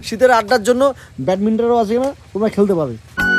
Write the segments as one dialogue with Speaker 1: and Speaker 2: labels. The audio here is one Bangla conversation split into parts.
Speaker 1: শীতের আড্ডার জন্য ব্যাডমিন্টনও আছে না, তোমরা খেলতে পারবে।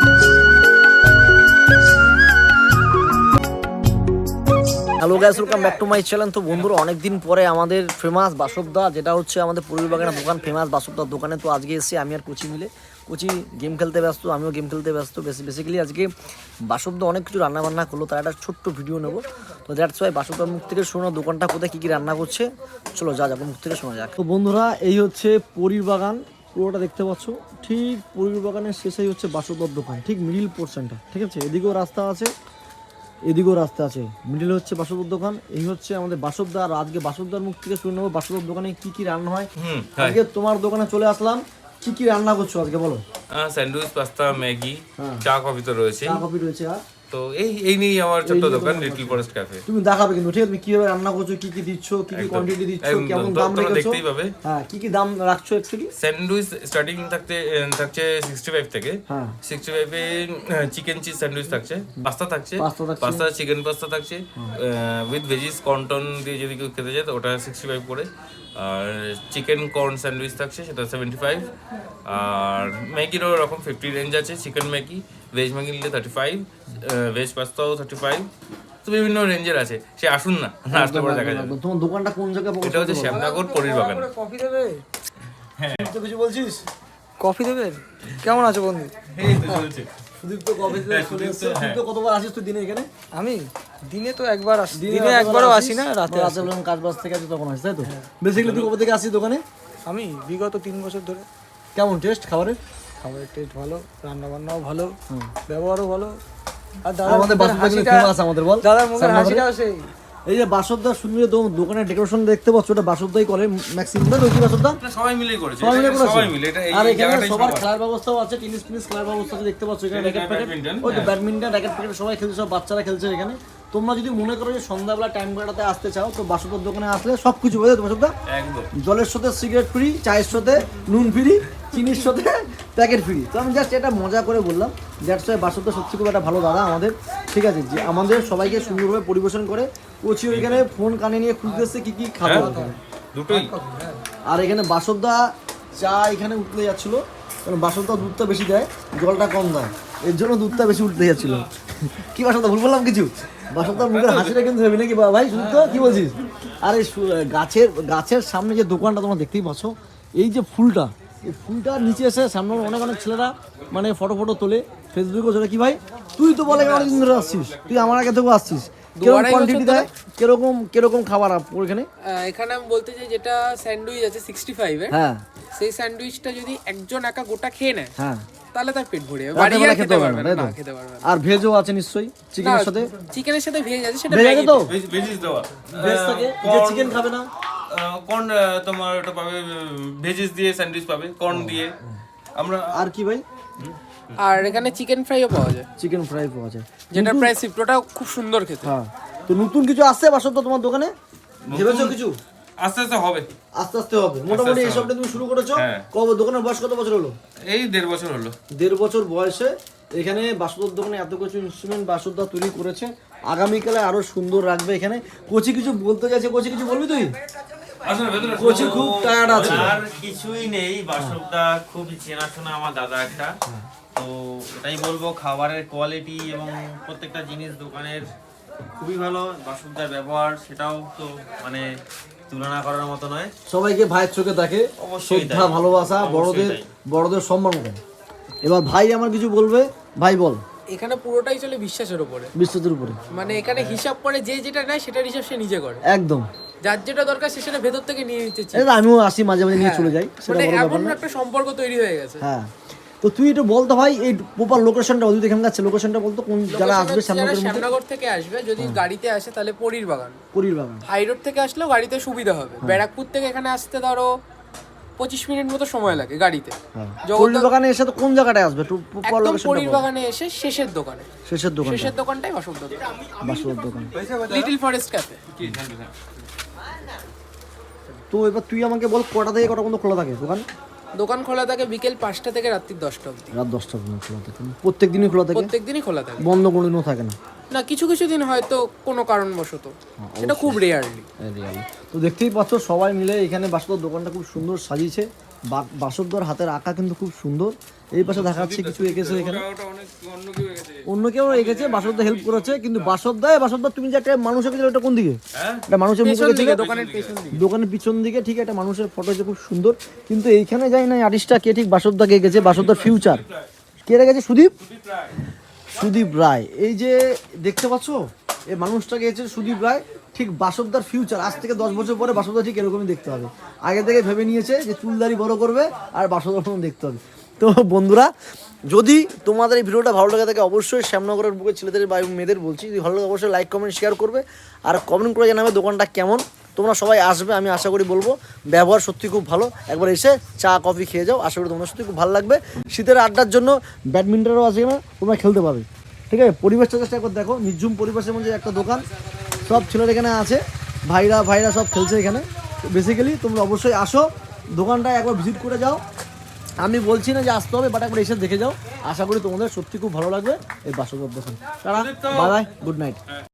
Speaker 1: Hello guys, welcome back to my channel. তো বন্ধুরা, অনেকদিন পরে আমাদের ফেমাস বাসবদা, যেটা হচ্ছে আমাদের পূর্বী বাগানের দোকান, ফেমাস বাসবদার দোকানে। তো আজকে এসেছি আমি আর কোচি মিলে। কোচি গেম খেলতে ব্যস্ত, আমিও গেম খেলতে ব্যস্ত। বেসিক্যালি আজকে বাসবদা অনেক কিছু রান্নাবান্না করলো, তার একটা ছোট্ট ভিডিও নেবো। তো দ্যাটস ওয়াই বাসবদার মুখ থেকে শোনা দোকানটা কোথায় কী কী রান্না করছে, চলো যা যাবো মুখ থেকে শোনা যাক। তো বন্ধুরা, এই হচ্ছে পরীর বাগান, পুরোটা দেখতে পাচ্ছ। ঠিক পরীর বাগানের শেষেই হচ্ছে বাসবদার দোকান, ঠিক মিডিল পোর্শনটা, ঠিক আছে। এদিকেও রাস্তা আছে, এদিকেও রাস্তা আছে, মিডিল হচ্ছে বাসবদার দোকান। এই হচ্ছে আমাদের বাসবদা। আর আজকে বাসবদার মুখ থেকে শুনে নেবো বাসবদার দোকানে কি কি রান্না হয়। আজকে তোমার দোকানে চলে আসলাম, কি কি রান্না করছো আজকে বলো?
Speaker 2: স্যান্ডউইচ, পাস্তা, ম্যাগি, চা কফি তো রয়েছে।
Speaker 1: চা কফি রয়েছে। আর
Speaker 2: তো এই নিয়ে আমার ছোট্ট দোকান লিটল ফরেস্ট ক্যাফে।
Speaker 1: তুমি দেখাবে কিন্তু, ঠিক আছে, তুমি কিভাবে রান্না করছো, কি কি দিচ্ছ, কি কি কোয়ান্টিটি দিচ্ছ, কেমন দাম রেখেছো,
Speaker 2: দেখতেই পাবে।
Speaker 1: হ্যাঁ, কি কি দাম রাখছো অ্যাকচুয়ালি।
Speaker 2: স্যান্ডউইচ স্টার্টিং থাকছে 65 থেকে। 65 এ চিকেন চিজ স্যান্ডউইচ থাকছে, পাস্তা থাকছে, পাস্তা চিকেন পাস্তা থাকছে উইথ ভেজিস কর্ন দিয়ে যদি কেউ খেতে চায় তো ওটা 65 করে। আর চিকেন কর্ন স্যান্ডউইচ থাকছে, সেটা 75। আর ম্যাগিরও ওরকম 50 রেঞ্জ আছে। চিকেন ম্যাগি, ভেজ ম্যাগি নিলে 35, ভেজ পাস্তাও 35। তো বিভিন্ন রেঞ্জের আছে, সে আসুন না, আসলে পরে দেখা যাবে।
Speaker 1: তোমার দোকানটা কোন জায়গায়?
Speaker 2: এটা হচ্ছে শ্যামনগর পরীর বাগান।
Speaker 3: কফি দেবে?
Speaker 1: হ্যাঁ, তো কিছু বলছিস?
Speaker 3: কফি দেবে? কেমন আছো বন্ধু?
Speaker 2: এই তো চলছে।
Speaker 1: সুদীপ তো কবে চলে এসেছে। তুই তো কতবার আসিস তুই দিনে এখানে?
Speaker 3: আমি দিনে তো একবার আসি, দিনে একবারও আসি না, রাতে আসি।
Speaker 1: যখন কাজ বাজ থেকে আসি তখন আসিস, তাই তো? বেসিক্যালি তুই কবে থেকে আসিস দোকানে?
Speaker 3: আমি বিগত 3 বছর ধরে।
Speaker 1: কেমন টেস্ট খাবারের?
Speaker 3: খাবারের টেস্ট ভালো, রান্না বান্নাও ভালো, ব্যবহারও ভালো। আর
Speaker 1: আমাদের বাসবদা ফেমাস আমাদের, বল।
Speaker 3: দাদার মুখের হাসিটাও সেই।
Speaker 1: এই যে বাসবদা সুন্দর দোকানের ডেকোরেশন দেখতে পাচ্ছ, ওটা বাসবদাই করে ম্যাক্সিমাম, না রোজি বাসবদা
Speaker 2: সবাই মিলে করেছে,
Speaker 1: সবাই মিলে করেছে।
Speaker 2: সবাই মিলে এটা
Speaker 1: আর
Speaker 2: এই
Speaker 1: এখানে
Speaker 2: জায়গাটাই
Speaker 1: সবার
Speaker 2: সবার।
Speaker 1: খেলার ব্যবস্থাও আছে, টেনিস খেলার ব্যবস্থা আছে, দেখতে পাচ্ছ এখানে র‍্যাকেট প্যাকেট, ওই তো ব্যাডমিন্টন র‍্যাকেট প্যাকেট সবাই খেলছে, সব বাচ্চারা খেলছে এখানে। তোমরা যদি মনে করো যে সন্ধ্যাবেলা টাইম কাটাতে আসতে চাও, তো বাসবদার দোকানে আসলে সবকিছু হয়ে যাবে। বাসবদা
Speaker 2: একদম
Speaker 1: জলের সাথে সিগারেট ফ্রি, চায়ের সাথে নুন ফ্রি, চিনির সাথে প্যাকেট ফ্রি। তো আমি জাস্ট এটা মজা করে বললাম। দ্যাটস ওয়াই বাসবদা সত্যি খুব একটা ভালো দাদা আমাদের, ঠিক আছে, যে আমাদের সবাইকে সুন্দরভাবে পরিবেশন করে। কোচি ওইখানে ফোন কানে নিয়ে খুঁজতেছে কি কি খাবো
Speaker 2: দুটোই।
Speaker 1: আর এখানে বাসবদা চা এখানে উঠতে যাচ্ছিল, কারণ বাসবদা দুধটা বেশি দেয়, জলটা কম দেয়, এর জন্য দুধটা বেশি উঠতে যাচ্ছিল। কি বাসবদা ভুল বললাম কিছু? বাসবদার মুখের হাসিটা কিন্তু হবে নাকি ভাই, শুনতো কি বলছিস? আর এই গাছের সামনে যে দোকানটা তোমরা দেখতেই পাচ্ছ, এই যে ফুলটা, এই ফুলটার নিচে এসে সামনে অনেক ছেলেরা মানে ফটো তোলে, ফেসবুকেও চলে। কি ভাই, তুই তো বলে অনেকদিন ধরে আসছিস, তুই আমার আগে থেকেও আসছিস, কিরকম কোয়ান্টিটি দেয়, কিরকম খাবার ওখানে?
Speaker 4: এখানে আমি বলতে চাই, যেটা স্যান্ডউইচ আছে 65 এর,
Speaker 1: হ্যাঁ,
Speaker 4: সেই স্যান্ডউইচটা যদি একজন একা গোটা খেয়ে নেয়,
Speaker 1: হ্যাঁ,
Speaker 4: তাহলে তার পেট ভরে যাবে,
Speaker 1: রাতের
Speaker 4: বাড়ি
Speaker 1: বেলা
Speaker 4: আর
Speaker 1: খেতে
Speaker 4: খেতে
Speaker 1: পারবে
Speaker 4: পারবে
Speaker 1: না,
Speaker 4: না,
Speaker 1: তাই তো?
Speaker 4: খেতে পারবে না।
Speaker 1: আর ভেজও আছে নিশ্চয়ই, চিকেনের সাথে?
Speaker 4: চিকেনের সাথে ভেজ আছে, সেটা
Speaker 1: ভেজ আছে তো?
Speaker 2: ভেজিস দেওয়া।
Speaker 1: ভেজ থাকে, যে চিকেন খাবে না
Speaker 2: কর্ন তোমার ওটা পাবে, ভেজিস দিয়ে স্যান্ডউইচ পাবে, কর্ন দিয়ে। আমরা
Speaker 1: আর কি ভাই?
Speaker 4: আর এখানে চিকেন ফ্রাইও পাওয়া যায়,
Speaker 1: চিকেন ফ্রাই পাওয়া যায়,
Speaker 4: যেটা প্রায় সিপ্টোটা খুব সুন্দর খেতে।
Speaker 1: হ্যাঁ। তো নতুন কিছু আসছে বাসবদা তোমার দোকানে? ভেবেছো কিছু?
Speaker 2: আস্তে আস্তে হবে।
Speaker 1: আস্তে আস্তে হবে মোটামুটি। এই সবটা তুমি শুরু করেছো কবে? দোকানের বয়স কত বছর হলো?
Speaker 2: এই 1.5 বছর হলো।
Speaker 1: 1.5 বছর বয়সে এখানে বাসবদার দোকানে এত কিছু ইনস্ট্রুমেন্ট বাসবদা তৈরি করেছে। আগামীকালে আরো সুন্দর রাখবে এখানে। কোচি কিছু বলতে চাইছে, কোচি কিছু বলবি তুই? কোচি খুব টায়ার্ড আছে।
Speaker 5: আর কিছুই নেই, বাসবদা খুবই চেনাশোনা আমার দাদা একটা। তো এটাই বলবো, খাবারের কোয়ালিটি এবং প্রত্যেকটা জিনিস দোকানের খুবই ভালো। বাসবদার ব্যবহার সেটাও তো মানে তুলনা করার মতো নয়।
Speaker 1: সবাইকে ভাইয়ের চোখে দেখে,
Speaker 5: অবশ্যই
Speaker 1: শ্রদ্ধা ভালোবাসা, বড়দের সম্মান করে। এবার ভাই আমার কিছু বলবে, ভাই বল।
Speaker 4: এখানে পুরোটাই চলে বিশ্বাসের উপরে,
Speaker 1: বিশ্বাসের উপরে।
Speaker 4: মানে এখানে হিসাব করে যে যেটা নেয় সেটার হিসাব সে নিজে করে,
Speaker 1: একদম।
Speaker 4: যার যেটা দরকার সে সেটা ভেতর থেকে নিয়ে নিতে চায়।
Speaker 1: আমিও আসি মাঝে মাঝে নিয়ে চলে যাই, সেটা
Speaker 4: মানে
Speaker 1: বড় ব্যাপার
Speaker 4: এমন
Speaker 1: না।
Speaker 4: একটা সম্পর্ক তৈরি হয়ে গেছে।
Speaker 1: হ্যাঁ, তো তুই একটু বলতো ভাই, এই প্রপার লোকেশনটা বলতো, এখানকার লোকেশনটা বলতো, কোন যারা আসবে
Speaker 4: শ্যামনগর থেকে আসবে, যদি গাড়িতে আসে তাহলে পরীর বাগান।
Speaker 1: পরীর বাগান
Speaker 4: হাই রোড থেকে আসলেও গাড়িতে সুবিধা হবে। ব্যারাকপুর থেকে এখানে আসতে ধরো 25 মিনিট মতো সময় লাগে গাড়িতে।
Speaker 1: পরীর বাগানে এসে তো কোন জায়গাটায় আসবে একটু প্রপার
Speaker 4: একদম
Speaker 1: লোকেশনটা?
Speaker 4: পরীর বাগানে এসে শেষের দোকানে,
Speaker 1: শেষের
Speaker 4: দোকানটাই বাসবদার দোকান,
Speaker 1: বাসবদার দোকান,
Speaker 4: লিটল ফরেস্ট ক্যাফে।
Speaker 1: তো এবার তুই আমাকে বল, কটা থেকে কটা পর্যন্ত খোলা থাকে দোকান?
Speaker 4: দোকান খোলা থাকে বিকেল 5টা থেকে রাত্রি 10টা অবধি।
Speaker 1: রাত 10টা পর্যন্ত খোলা থাকে, প্রত্যেকদিনই খোলা থাকে?
Speaker 4: প্রত্যেকদিনই খোলা থাকে,
Speaker 1: বন্ধ কোনোদিনও থাকে না?
Speaker 4: না, কিছু কিছু দিন হয়তো কোনো কারণবশত, সেটা খুব রেয়ারলি।
Speaker 1: তো দেখতেই পাচ্ছ সবাই মিলে এখানে বাসবদার দোকানটা খুব সুন্দর সাজিয়েছে, বাসবদার হাতের আঁকা কিন্তু খুব সুন্দর। এই পাশে দেখাচ্ছে কিছু এঁকেছে এখানে, অন্য কেউ এঁকেছে, বাসবদা হেল্প করেছে। কিন্তু বাসবদা তুমি যে একটা মানুষ এঁকেছিল ওটা কোন দিকে? একটা মানুষের মুখ এঁকেছিল দোকানের পিছন দিকে, ঠিক একটা মানুষের ফটো হচ্ছে খুব সুন্দর। কিন্তু এইখানে যাই না আর্টিস্টটা কে ঠিক বাসবদাকে এঁকেছে, বাসবদার ফিউচার কে রেখেছে? সুদীপ রায়। এই যে দেখতে পাচ্ছ এই মানুষটাকে এসেছে সুদীপ রায়, ঠিক বাসবদার ফিউচার। আজ থেকে 10 বছর পরে বাসবদা ঠিক এরকমই দেখতে হবে। আগে থেকে ভেবে নিয়েছে যে চুলদারি বড় করবে আর বাসবদার মতন দেখতে হবে। তো বন্ধুরা, যদি তোমাদের এই ভিডিওটা ভালো লাগে থাকে অবশ্যই শ্যামনগরের বুকে ছেলেদের বা মেয়েদের বলছি, যদি ভালো লাগে অবশ্যই লাইক কমেন্ট শেয়ার করবে আর কমেন্ট করে জানাবে দোকানটা কেমন। তোমরা সবাই আসবে, আমি আশা করি বলবো ব্যবহার সত্যি খুব ভালো। একবার এসে চা কফি খেয়ে যাও, আশা করি তোমাদের সত্যি খুব ভালো লাগবে। শীতের আড্ডার জন্য ব্যাডমিন্টনও আছে না, তোমরা খেলতে পারবে। ঠিক আছে, পরিবেশটা জাস্ট একবার দেখো, নির্ঝুম পরিবেশের মধ্যে একটা দোকান, সব ছেলেরা এখানে আছে, ভাইরা সব খেলছে এখানে। বেসিক্যালি তোমরা অবশ্যই আসো, দোকানটা একবার ভিজিট করে যাও। আমি বলছি না যে আসতে হবে, বাট একবার এসে দেখে যাও, আশা করি তোমাদের সত্যি খুব ভালো লাগবে এই বাসবদার দোকান। তারা বাই বাই, গুড নাইট।